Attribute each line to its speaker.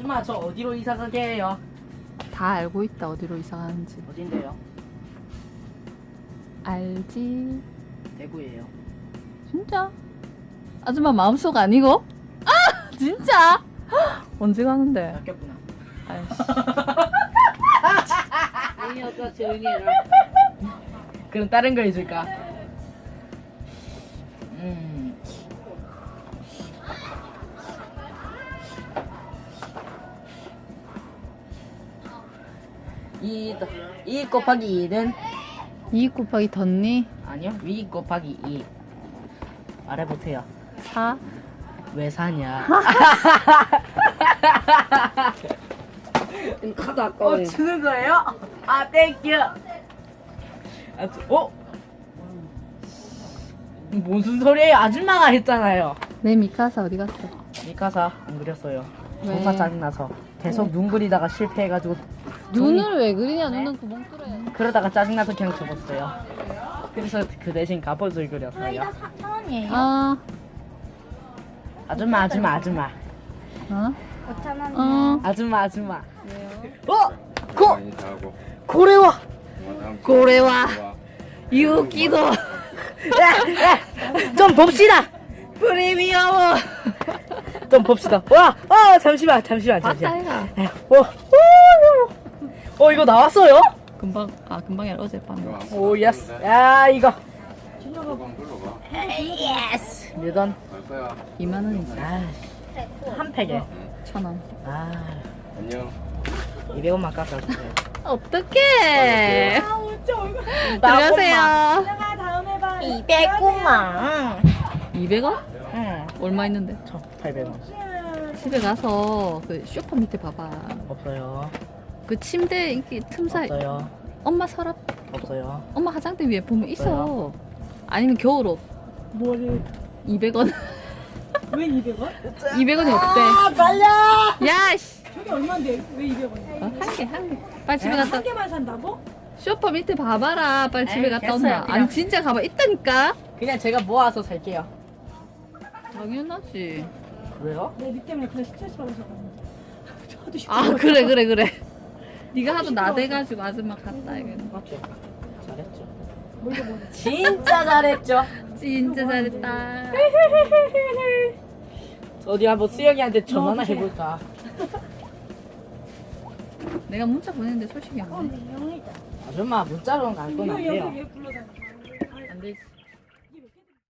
Speaker 1: 아줌마 저 어디로 이사 가게 해요?
Speaker 2: 다 알고 있다 어디로 이사 가는지.
Speaker 1: 어딘데요?
Speaker 2: 알지?
Speaker 1: 대구예요.
Speaker 2: 진짜? 아줌마 마음속 아니고? 아 진짜? 언제 가는데?
Speaker 1: 바뀌었구나.
Speaker 2: 아이씨.
Speaker 3: 이 여자 조용히 해라.
Speaker 1: 그럼 다른 거 해줄까? 이 곱하기 2는
Speaker 2: 2 곱하기 덧니?
Speaker 1: 아니요. 위 곱하기 2 말해보세요.
Speaker 2: 4?
Speaker 1: 왜 사냐?
Speaker 3: 카드 아까워.
Speaker 1: 주는 거예요? 아 땡큐. 무슨 소리예요? 아줌마가 했잖아요.
Speaker 2: 내 미카사 어디 갔어?
Speaker 1: 미카사 안 그렸어요.
Speaker 2: 왜?
Speaker 1: 존나 짜증나서 계속 눈 그리다가 실패해가지고
Speaker 2: 눈을 왜 그리냐? 눈은 구멍 뚫어야 돼.
Speaker 1: 그러다가 짜증나서 그냥 접었어요. 그래서 그 대신 갑옷을 그렸어요.
Speaker 2: 아,
Speaker 1: 아줌마
Speaker 2: 어? 어.
Speaker 1: 아줌마
Speaker 2: 왜요?
Speaker 1: 고래와
Speaker 2: 고래와 유기도
Speaker 1: 좀 봅시다. 프리미엄 좀 봅시다. 잠시만
Speaker 2: 봤다 해라.
Speaker 1: 이거 나왔어요?
Speaker 2: 금방 금방이 아니라 어젯밤에.
Speaker 1: 오 예스. 야 이거
Speaker 4: 한번 불러봐.
Speaker 1: 예스. 뮤던
Speaker 2: 2만 원이지.
Speaker 1: 한 팩에
Speaker 2: 1,000원.
Speaker 4: 안녕.
Speaker 1: 200원만 깎아주세요.
Speaker 2: 어떡해. 들어가세요.
Speaker 1: 200원만.
Speaker 2: 200원?
Speaker 1: 응.
Speaker 2: 얼마 있는데?
Speaker 1: 저 800원.
Speaker 2: 집에 가서 그 쇼파 밑에 봐봐.
Speaker 1: 없어요.
Speaker 2: 그 침대 이렇게 틈 사이.
Speaker 1: 없어요.
Speaker 2: 엄마 서랍,
Speaker 1: 없어요.
Speaker 2: 엄마 화장대 위에 보면 있어. 아니면 겨울옷.
Speaker 3: 뭐를?
Speaker 2: 200원.
Speaker 3: 왜 200원?
Speaker 2: 200원이 없대.
Speaker 1: 빨려.
Speaker 2: 야, 씨.
Speaker 3: 저게 얼마인데 왜 200원이야?
Speaker 2: 한 개. 빨리 집에 갔다.
Speaker 3: 한 개만 산다고?
Speaker 2: 쇼파 밑에 봐봐라. 빨리 집에
Speaker 1: 에이,
Speaker 2: 갔다
Speaker 1: 됐어요,
Speaker 2: 온다.
Speaker 1: 그냥.
Speaker 2: 아니 진짜 가봐. 있다니까.
Speaker 1: 그냥 제가 모아서 살게요.
Speaker 2: 당연하지.
Speaker 1: 왜요?
Speaker 3: 니 때문에 그래 스트레스 받아서 저도
Speaker 2: 아 그래. 네가 하도 나대가지고 아줌마 갔다 이거는.
Speaker 1: 맞죠? 잘했죠.
Speaker 3: 뭘로
Speaker 1: 진짜 잘했죠.
Speaker 2: 진짜 잘했다.
Speaker 1: 어디 한번 수영이한테 전화나
Speaker 3: 넣어주세요.
Speaker 1: 해볼까?
Speaker 2: 내가 문자 보냈는데 소식이 안 돼.
Speaker 1: 아줌마 문자로는 갈 건 안
Speaker 3: 이거 여기
Speaker 1: 돼요.
Speaker 3: 왜 불러다녀?
Speaker 2: 안 되지.